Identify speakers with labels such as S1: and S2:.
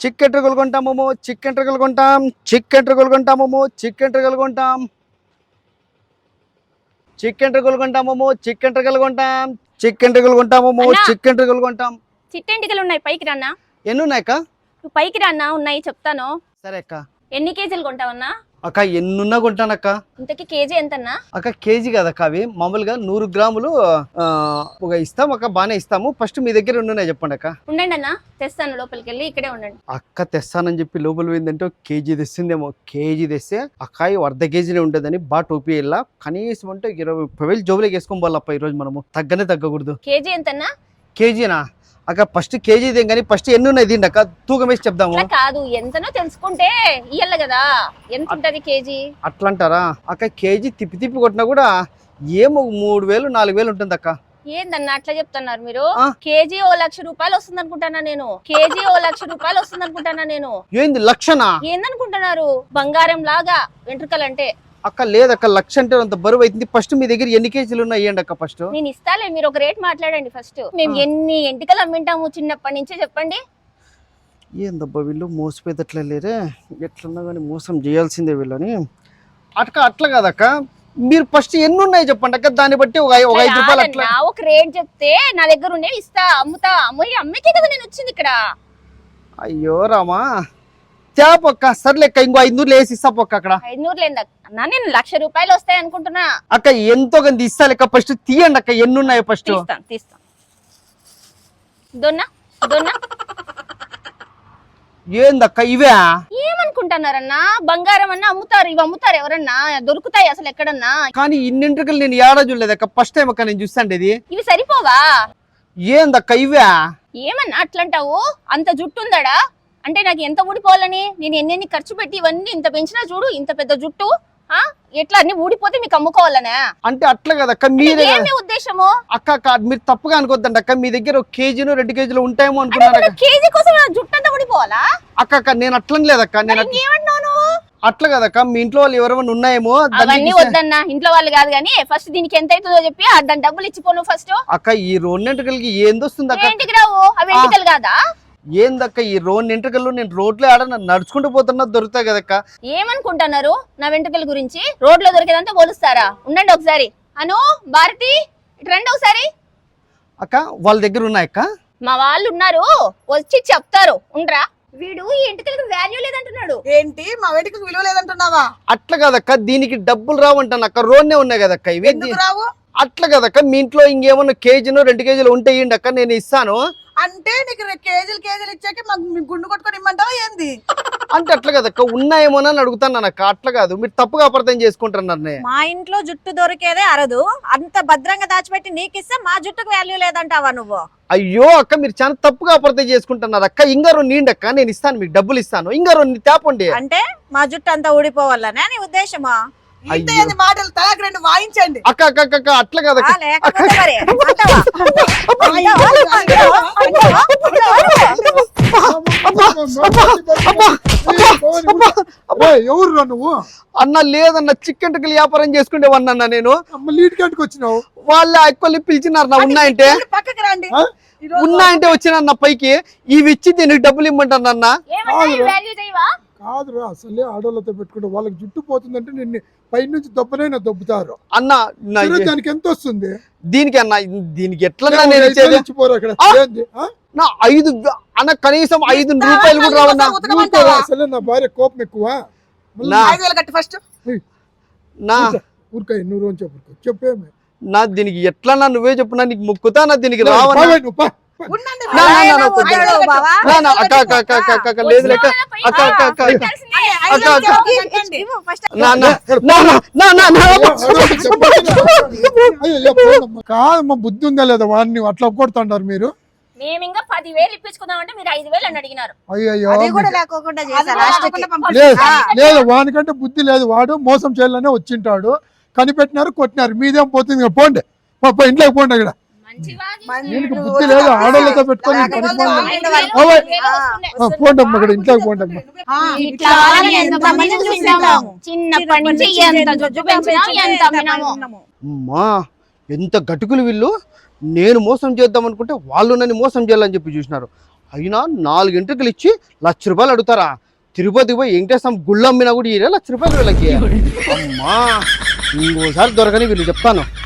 S1: Chicken ట్రకులు కొంటాము, chicken ట్రకులు కొంటాం, chicken ట్రకులు కొంటాము, chicken ట్రకులు కొంటాం, chicken ట్రకులు కొంటాము, chicken ట్రకులు కొంటాం, చికెన్ ట్రకులు కొంటాము, చికెన్ ట్రకులు కొంటాం.
S2: చిట్టెంటికలు ఉన్నాయి, పైకి రాన్నా.
S1: ఎన్ని ఉన్నాయక్క?
S2: నువ్వు పైకి రాన్నా, ఉన్నాయి చెప్తాను.
S1: సరే అక్క.
S2: ఎన్ని కేజీలు కొంటావన్నా?
S1: అక్క ఎన్నున్నా కొంటానక్క.
S2: ఇంతకి కేజీ ఎంతన్నా?
S1: అక్క కేజీ కదక్క, అవి మామూలుగా 100 గ్రాములు ఒక ఇస్తాం అక్క, బాగానే ఇస్తాము. ఫస్ట్ మీ దగ్గర ఉన్నాయి చెప్పండి అక్క.
S2: ఉండండి అన్న, తెస్తాను. లోపలికి వెళ్ళి ఇక్కడే ఉండండి.
S1: అక్క తెస్తానని చెప్పి లోపల పోయిందంటే కేజీ తెస్తుందేమో. కేజీ తెస్తే అక్కాయి అర్ధ కేజీనే ఉంటుందని బాగా టోపీ వెళ్ళా. కనీసం అంటే 20,000 జోబులోకి వేసుకొని పోవాలప్ప ఈరోజు మనము. తగ్గనే తగ్గకూడదు.
S2: కేజీ ఎంతన్నా?
S1: కేజీనా అక్క? ఫస్ట్ కేజీ ఇదేం కానీ ఫస్ట్ ఎన్ని ఉన్నాయి దీండి అక్క, తూకం వేసి చెప్దాము.
S2: కాదు, ఎంతనో తెలుసుకుంటే ఇయ్యాల కదా. ఎంత ఉంటది కేజీ?
S1: అట్లా అంటారా అక్క? కేజీ తిప్పి తిప్పి కొట్టినా కూడా ఏమో 3,000 4,000 ఉంటుంది అక్క.
S2: ఏందన్నా అట్లా చెప్తున్నారు మీరు? కేజీ 1,00,000 రూపాయలు వస్తుంది అనుకుంటానా నేను. కేజీ 1,00,000 రూపాయలు వస్తుంది అనుకుంటానా నేను.
S1: ఏంది లక్షనా?
S2: ఏందనుకుంటున్నారు? బంగారం లాగా వెంట్రుకలంటే.
S1: అక్క లేదక్క, 1,00,000 అంటే అంత బరువు అవుతుంది. ఫస్ట్ మీ దగ్గర ఎన్ని కేజీలు ఉన్నాయి ఇవ్వండి అక్క. ఫస్ట్
S2: నేను ఇస్తాలే, మీరు ఒక రేట్ మాట్లాడండి. ఫస్ట్ మేము ఎన్ని ఎంటికలు అమ్మింటాము చిన్నప్పటి నుంచే చెప్పండి.
S1: ఏందబ్బా వీళ్ళు మోసపోయేటట్లే లేరే, ఎట్లన్నా కానీ మోసం చేయాల్సిందే వీళ్ళని. అట్లా కాదక్క, మీరు ఫస్ట్ ఎన్ని ఉన్నాయి చెప్పండి అక్క, దాన్ని బట్టి ఒక 5 రూపాయలు అట్లా.
S2: ఒక రేట్ చెప్తే నా దగ్గర ఉండే ఇస్తా, అమ్ముతా. అమ్మకే కదా నేను వచ్చింది ఇక్కడ.
S1: అయ్యో రామా, తేపక్క. సర్లేక్క, ఇంకో 500 వేసి ఇస్తా పొక్క అక్కడ.
S2: 500 లేదా అన్నా? నేను 1,00,000 రూపాయలు వస్తాయి అనుకుంటున్నా.
S1: అక్క ఎంతో కొంత ఇస్తా లెక్క. ఫస్ట్ తీయండి అక్క, ఎన్ని ఉన్నాయి ఫస్ట్.
S2: తీస్తాను. దొన్నా దొన్నా.
S1: ఏందక్క ఇవే?
S2: ఏమనుకుంటున్నారన్నా? బంగారం అన్నా అమ్ముతారు, ఇవి అమ్ముతారు ఎవరన్నా? దొరుకుతాయి అసలు ఎక్కడన్నా?
S1: కానీ ఇన్నింటికలు నేను ఏడా చూడలేదక్క, ఫస్ట్ టైం అక్క నేను చూస్తాండి.
S2: ఇవి సరిపోవా?
S1: ఏందక్క ఇవే?
S2: ఏమన్నా అట్లంటావు? అంత జుట్టు ఉందడా అంటే నాకు ఎంత ఊడిపోవాలని? నేను ఎన్ని ఖర్చు పెట్టి ఇవన్నీ ఇంత పెంచినా చూడు, ఇంత పెద్ద జుట్టు. ఎట్లా అన్ని ఊడిపోతే మీకు అమ్ముకోవాలనే?
S1: అంటే అట్లా కదక్క, మీరే
S2: ఏమి ఉద్దేశము?
S1: అక్క మీరు తప్పుగా అనుకోద్దండి అక్క. మీ దగ్గర 1 కేజీను 2 కేజీలు ఉంటాయేమో అనుకున్నాను.
S2: కేజీ కోసం జుట్టు అంతా ఊడిపోవాలా?
S1: అక్క నేను అట్లని లేదక్క. నేను అట్లా కదక్క, మీ ఇంట్లో వాళ్ళు ఎవరైనా ఉన్నాయేమో.
S2: అవన్నీ వద్దన్నా, ఇంట్లో వాళ్ళు కాదు కానీ ఫస్ట్ దీనికి ఎంత అవుతుందో చెప్పి దాని డబ్బులు ఇచ్చిపోను ఫస్ట్.
S1: అక్క ఈ 2 ఎంట్రుకలకి ఏందొస్తుంది అక్క?
S2: ఇంటికి రావు, అవి ఎంటికలు కాదా?
S1: ఏందక్క ఈ 2 ఎంట్రుకలు? నేను రోడ్లో ఆడ నడుచుకుంటూ పోతున్నా దొరుకుతాయి కదక్క.
S2: ఏమనుకుంటున్నారు నా వెంట్రుకల గురించి? రోడ్ లో దొరికేదంతా పోలుస్తారా? ఉండండి ఒకసారి. అను, భారతి, ఇటు రండి ఒకసారి.
S1: అక్క వాళ్ళ దగ్గర ఉన్నాయక్క?
S2: మా వాళ్ళు ఉన్నారు, వచ్చి చెప్తారు. ఉండరా? వీడు ఈ ఎంటికలకు వాల్యూ లేదంటున్నాడు.
S3: ఏంటి మా వెంటికలకు విలువ లేదంటున్నావా?
S1: అట్లా కదక్క, దీనికి డబ్బులు రావంటాను అక్క. రోడ్నే ఉన్నాయి కదక్క ఇవి.
S3: ఎందుకు రావు?
S1: అట్లా కదక్క, మీ ఇంట్లో ఇంకేమన్నా కేజీను 2 కేజీలు ఉంటే ఇయ్యండి అక్క, నేను ఇస్తాను.
S3: అంటే నీకు కేజీలు ఇచ్చాక మాకు గుండు కొట్టుకొని ఇమ్మంటావా ఏంది?
S1: అంటే అట్లా కదక్క, ఉన్నాయేమోనని అడుగుతాను అక్క. అట్లా కాదు, మీరు తప్పుగా అపార్థం చేసుకుంటున్నారు.
S4: మా ఇంట్లో జుట్టు దొరికేదే అరదు, అంత భద్రంగా దాచిపెట్టి నీకిస్తే మా జుట్టుకు వాల్యూ లేదంటావా నువ్వు?
S1: అయ్యో అక్క, మీరు చాలా తప్పుగా అపార్థం చేసుకుంటున్నారు అక్క. ఇంకా 2 నీండి అక్క, నేను ఇస్తాను, మీకు డబ్బులు ఇస్తాను. ఇంకా 2 తేపండి.
S4: అంటే మా జుట్టు అంతా ఊడిపోవాలనే నీ ఉద్దేశమా?
S3: ఇంత మాటలు తలకు 2 వాయించండి.
S1: అక్క అక్క అక్క అట్లా కదా.
S4: లేకపోతే మరి అంటావా?
S5: ఎవరు నువ్వు?
S1: అన్న లేదన్న, చికెన్ టిక్కలు వ్యాపారం చేసుకునేవన్నా నేను.
S5: లీడ్ కంటికి వచ్చినావు?
S1: వాళ్ళు ఎక్కువ పిలిచినారు నా. ఉన్నాయంటే
S3: పక్కకి రండి.
S1: ఉన్నాయంటే వచ్చిన పైకి ఇవి ఇచ్చి దీనికి డబ్బులు ఇమ్మంటానన్న.
S5: కాదురా, అసలే ఆడోళ్ళతో పెట్టుకుంటే వాళ్ళకి జుట్టు పోతుందంటే నిన్ను పై నుంచి దెబ్బనైనా దొబ్బుతారు
S1: అన్న.
S5: దానికి ఎంత వస్తుంది?
S1: దీనికి అన్న, దీనికి ఎట్లా
S5: ఇచ్చిపోరు అక్కడ.
S1: నా 5 అన్న, కనీసం 5 రూపాయలు కూడా రావన్నా.
S5: అసలే నా భార్య కోపం ఎక్కువ.
S3: 5,000 కట్టి ఫస్ట్.
S1: నా
S5: ఊరికాయ 100 అని చెప్పేమి
S1: నా. దీనికి ఎట్లా నువ్వే చెప్పున్నా, నీకు ముక్కుతా నా. దీనికి రావన్నా. లేదు లేక అక్క అక్క అక్క
S5: కాదమ్మా, బుద్ధి ఉందా లేదా? వాడిని అట్లా కొడుతుంటారు మీరు.
S2: మేము ఇంకా 10,000 ఇప్పించుకుందామంటే మీరు 5,000 అని అడిగినారు.
S5: అయ్యో
S4: లేదు,
S5: లేదు, వానికంటే బుద్ధి లేదు. వాడు మోసం చేయాలనే వచ్చింటాడు. కనిపెట్టినారు, కొట్టినారు. మీదేం పోతుంది? పోండి, ఇంట్లోకి పోండి. అక్కడ దీనికి బుద్ధి లేదు. ఆడోళ్ళతో పెట్టుకొని పోండి అమ్మ, ఇక్కడ ఇంట్లోకి పోండి అమ్మ.
S1: అమ్మా ఎంత గటుకులు వీళ్ళు. నేను మోసం చేద్దాం అనుకుంటే వాళ్ళు నన్ను మోసం చేయాలని చెప్పి చూసినారు. అయినా 4 గంటలకు ఇచ్చి ₹1,00,000 అడుగుతారా? తిరుపతి పోయి వెంకటేశ్వర గుళ్ళు అమ్మినా కూడా ₹1,00,000 వీళ్ళకి. అమ్మా ఇంకోసారి దొరకని వీళ్ళు చెప్తాను.